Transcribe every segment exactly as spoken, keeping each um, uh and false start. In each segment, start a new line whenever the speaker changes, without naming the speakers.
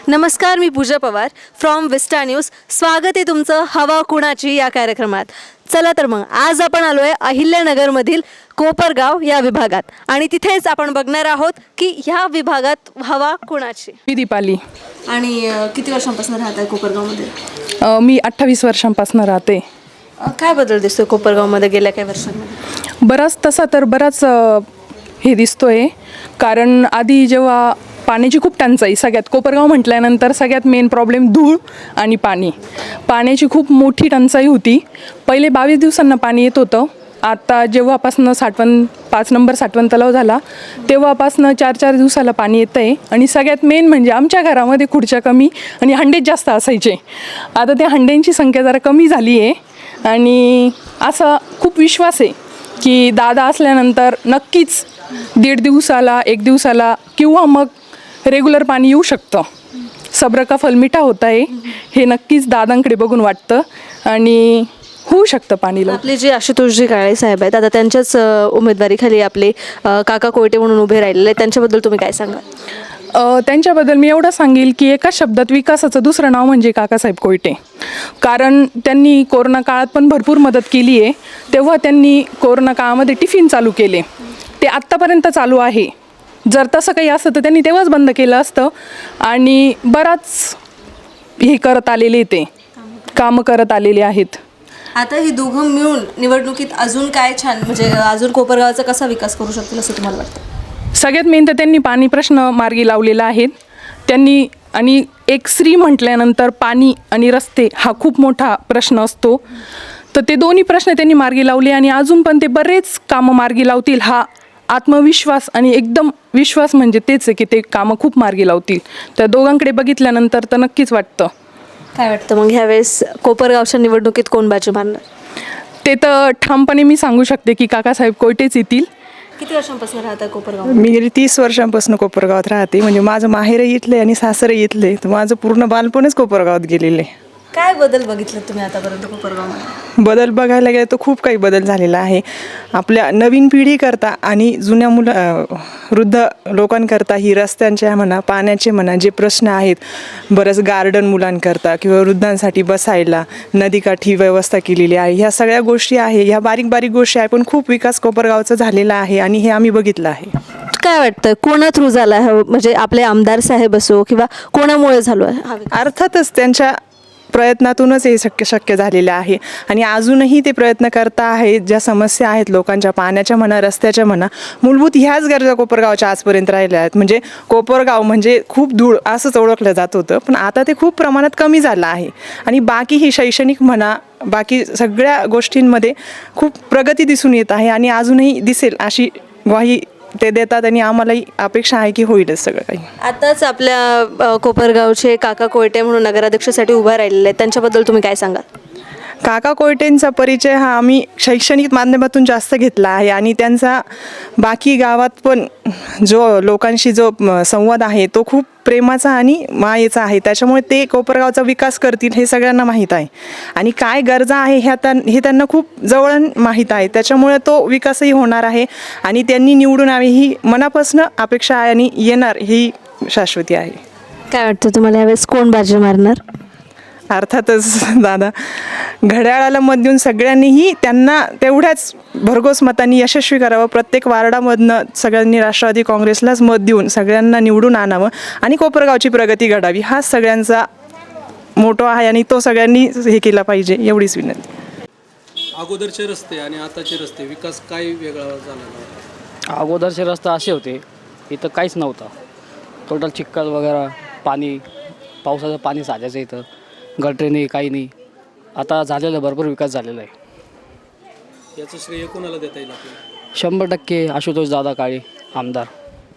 नमस्कार, मी Pooja Pawar from Vista news. स्वागत आहे तुमचं हवा कुणाची या कार्यक्रमात. चला तर मग आज आपण आलो आहे अहिल्यानगरमधील कोपरगाव या विभागात आणि तिथेच आपण बघणार आहोत की ह्या विभागात हवा कुणाची.
मी दीपाली.
आणि अ, किती वर्षांपासून राहत आहे कोपरगावमध्ये?
अ, मी अठ्ठावीस वर्षांपासून राहते.
अ, काय बदल दिसतोय कोपरगावमध्ये गेल्या काही वर्षांमध्ये?
बराच तसा तर बराच अ, हे दिसतोय. कारण आधी जेव्हा पाण्याची खूप टंचाई, सगळ्यात कोपरगाव म्हटल्यानंतर सगळ्यात मेन प्रॉब्लेम धूळ आणि पाणी. पाण्याची खूप मोठी टंचाई होती. पहिले बावीस दिवसांना पाणी येत होतं. आता जेव्हापासनं साठवण पाच नंबर साठवण तलाव झाला तेव्हापासनं चार चार दिवसाला पाणी येतं आहे. आणि सगळ्यात मेन म्हणजे आमच्या घरामध्ये खुर्च्या कमी आणि हंडेच जास्त असायचे. आता त्या हंड्यांची संख्या जरा कमी झाली आहे. आणि असा खूप विश्वास आहे की दादा असल्यानंतर नक्कीच दीड दिवसाला एक दिवसाला किंवा मग रेग्युलर पाणी येऊ शकतं. सब्र का फल मिठा होता आहे हे नक्कीच दादांकडे बघून वाटतं आणि होऊ शकतं पाणी लवकर.
आपले जे आशुतोषजी काळे साहेब आहेत आता त्यांच्याच अ, उमेदवारीखाली आपले अ, काका कोयटे म्हणून उभे राहिलेले आहेत, त्यांच्याबद्दल तुम्ही काय सांगाल?
अ, त्यांच्याबद्दल मी एवढं सांगेल की एका शब्दात विकासाचं दुसरं नाव म्हणजे काकासाहेब कोयटे. कारण त्यांनी कोरोना काळात पण भरपूर मदत केली आहे. तेव्हा त्यांनी कोरोना काळामध्ये टिफिन चालू केले, ते आत्तापर्यंत चालू आहे. जर तसं काही असतं तर त्यांनी तेव्हाच बंद केलं असतं. आणि बराच हे करत आलेले ते कामं करत आलेले आहेत.
आता ही दोघं मिळून निवडणुकीत अजून काय छान म्हणजे अजून कोपरगावचा कसा विकास करू शकतील असं तुम्हाला वाटतं?
सगळ्यात मेन तर त्यांनी पाणी प्रश्न मार्गी लावलेला आहे त्यांनी. आणि एक स्त्री म्हटल्यानंतर पाणी आणि रस्ते हा खूप मोठा प्रश्न असतो. तर ते दोन्ही प्रश्न त्यांनी मार्गी लावले आणि अजून पण ते बरेच कामं मार्गी लावतील हा आत्मविश्वास आणि एकदम विश्वास म्हणजे तेच आहे की ते कामं खूप मार्गी लावतील. त्या दोघांकडे बघितल्यानंतर तर नक्कीच वाटतं.
काय वाटतं मग ह्यावेळेस कोपरगावच्या निवडणुकीत कोण बाजी मारणार?
ते तर ठामपणे मी सांगू शकते की काकासाहेब कोयटेच येतील.
किती वर्षांपासून राहतात कोपरगाव?
मी गेली तीस वर्षांपासून कोपरगावात राहते. म्हणजे माझं माहेरही इथले आणि सासरही इथले, तर माझं पूर्ण बालपणच कोपरगावात गेलेलं आहे.
काय बदल बघितलं तुम्ही आतापर्यंत कोपरगावमध्ये?
बदल बघायला गेलं तर खूप काही बदल झालेला आहे. आपल्या नवीन पिढीकरता आणि जुन्या मुलं अ, वृद्ध लोकांकरता ही रस्त्यांच्या म्हणा, पाण्याचे म्हणा जे प्रश्न आहेत, बरंच गार्डन मुलांकरता किंवा वृद्धांसाठी बसायला नदीकाठी व्यवस्था केलेली आहे. ह्या सगळ्या गोष्टी आहे, ह्या बारीक बारीक गोष्टी आहे, पण खूप विकास कोपरगावचा झालेला आहे आणि हे आम्ही बघितलं आहे.
काय वाटतं कोणा थ्रू झाला हा म्हणजे आपले आमदार साहेब असो किंवा कोणामुळे झालो आहे हा विकास?
अर्थातच त्यांच्या प्रयत्नातूनच हे शक्य शक्य झालेलं आहे. आणि अजूनही ते प्रयत्न करता आहेत. ज्या समस्या आहेत लोकांच्या पाण्याच्या म्हणा, रस्त्याच्या म्हणा, मूलभूत ह्याच गरजा कोपरगावच्या आजपर्यंत राहिल्या आहेत. म्हणजे कोपरगाव म्हणजे खूप धूळ असंच ओळखलं जात होतं, पण आता ते खूप प्रमाणात कमी झालं आहे. आणि बाकी ही शैक्षणिक म्हणा, बाकी सगळ्या गोष्टींमध्ये खूप प्रगती दिसून येत आहे आणि अजूनही दिसेल अशी ग्वाही ते देतात आणि आम्हालाही अपेक्षा आहे की होईलच सगळं काही.
आताच आपल्या अ, कोपरगावचे काका कोयटे म्हणून नगराध्यक्षासाठी उभा राहिलेले आहेत, त्यांच्याबद्दल तुम्ही काय सांगाल?
काका कोयटेंचा परिचय हा आम्ही शैक्षणिक माध्यमातून जास्त घेतला आहे आणि त्यांचा बाकी गावात पण जो लोकांशी जो म, संवाद आहे तो खूप प्रेमाचा आणि मायेचा आहे. त्याच्यामुळे ते कोपरगावचा विकास करतील हे सगळ्यांना माहीत आहे. आणि काय गरजा आहे ह्या त्यां हे त्यांना खूप जवळून माहीत आहे. त्याच्यामुळे तो विकासही होणार आहे आणि त्यांनी निवडून यावे ही मनापासून अपेक्षा आहे आणि येणार ही शाश्वती आहे.
काय वाटतं तुम्हाला यावेळेस कोण बाजी मारणार?
अर्थातच दादा, घड्याळाला मत देऊन सगळ्यांनीही त्यांना तेवढ्याच भरघोस मतांनी यशस्वी करावं. प्रत्येक वार्डामधनं सगळ्यांनी राष्ट्रवादी काँग्रेसलाच मत देऊन सगळ्यांना निवडून आणावं आणि कोपरगावची प्रगती घडावी हा सगळ्यांचा मोठो आहे आणि तो सगळ्यांनी हे केला पाहिजे एवढीच विनंती.
अगोदरचे रस्ते आणि आताचे रस्ते विकास काय वेगळा झाला?
अगोदरचे रस्ते असे होते, इथं काहीच नव्हतं. टोटल चिखल वगैरे, पाणी, पावसाचं पाणी साजायचं इथं, गटरे नाही, काही नाही. आता झालेलं भरपूर विकास झालेला आहे.
याचं श्रेय कोणाला देता येईल आपल्याला?
शंभर टक्के आशुतोष दादा काळे आमदार.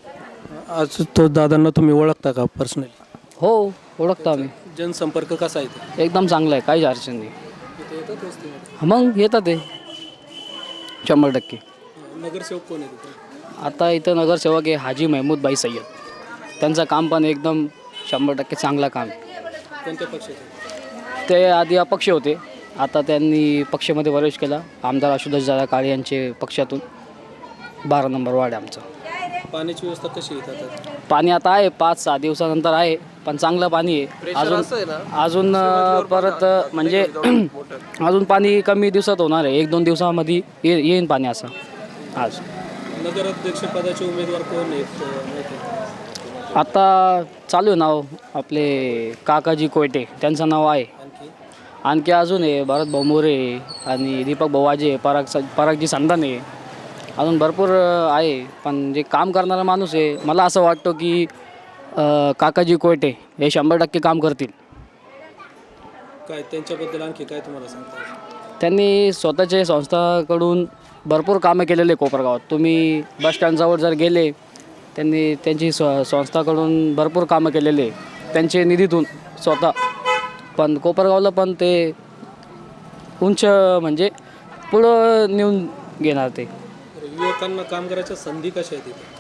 आज तो दादांना तुम्ही ओळखता का पर्सनली?
हो, ओळखतो आम्ही.
जनसंपर्क कसा आहे ते?
एकदम चांगला आहे, काहीच अडचण नाही.
इथे येतात वस्तीमध्ये?
मग येतात ते शंभर टक्के.
नगरसेवक कोण आहे तिथे?
आता इथं नगरसेवक आहे हाजी महमूद भाई सय्यद. त्यांचं काम पण एकदम शंभर टक्के चांगलं काम आहे.
कोणत्या पक्षाचे?
ते आधी अपक्ष होते, आता त्यांनी पक्षामध्ये प्रवेश केला. आमदार आशुतोष दादा काळे यांचे पक्षातून बारा नंबर वार्ड आहे आमचा.
पाण्याची व्यवस्था कशी आहे आता?
पाणी आता आहे पाच सहा दिवसानंतर आहे, पण चांगलं पाणी आहे. अजून अजून अं, परत अं, म्हणजे अजून पाणी कमी दिवसात होणार आहे. एक दोन दिवसामध्ये ये येईन पाणी असं आज.
नगराध्यक्ष पदाचे उमेदवार कोण आहेत अं, माहिती आहे?
आता चालू आहे नाव आपले काकाजी कोयटे, त्यांचं नाव आहे.
आणखी
आणखी अजून आहे भरत भाऊ मोरे आणि दीपक भाऊ वाजे, पराग स परागजी संधाने, अजून भरपूर अ, आहे. पण जे काम करणारा माणूस आहे, मला असं वाटतं की अ, काकाजी कोयटे हे शंभर टक्के काम करतील.
काय त्यांच्याबद्दल आणखी काय तुम्हाला सांगता येईल?
त्यांनी स्वतःच्या संस्थाकडून भरपूर कामं केलेले कोपरगावात. तुम्ही बस स्टँडजवळ जर गेले, त्यांनी त्यांची स्व संस्थाकडून भरपूर कामं केलेले त्यांचे निधीतून स्वतः. पण कोपरगावला पण ते उंच म्हणजे पुढं नेऊन घेणार ते.
तर युवकांना काम करायच्या संधी कशा आहेत इथे?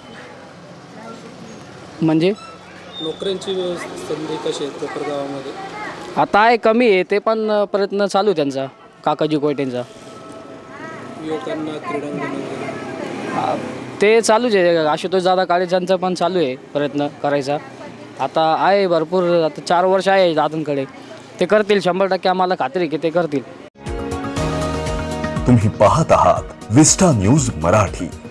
म्हणजे
नोकऱ्यांची व्यवस्था संधी कशी आहेत कोपरगावामध्ये?
आता आहे कमी आहे, ते पण प्रयत्न चालू आहे त्यांचा, काकाजी कोयटेंचा.
युवकांना क्रीडांगण वगैरे
आ, ते चालूच आहे. आशुतोष दादा काळेजांचा पण चालू आहे प्रयत्न करायचा. आता आहे भरपूर, आता चार वर्ष आहे दादांकडे. ते करतील शंभर टक्के, आम्हाला खात्री आहे की ते करतील.
तुम्ही पाहत आहात विस्टा न्यूज मराठी.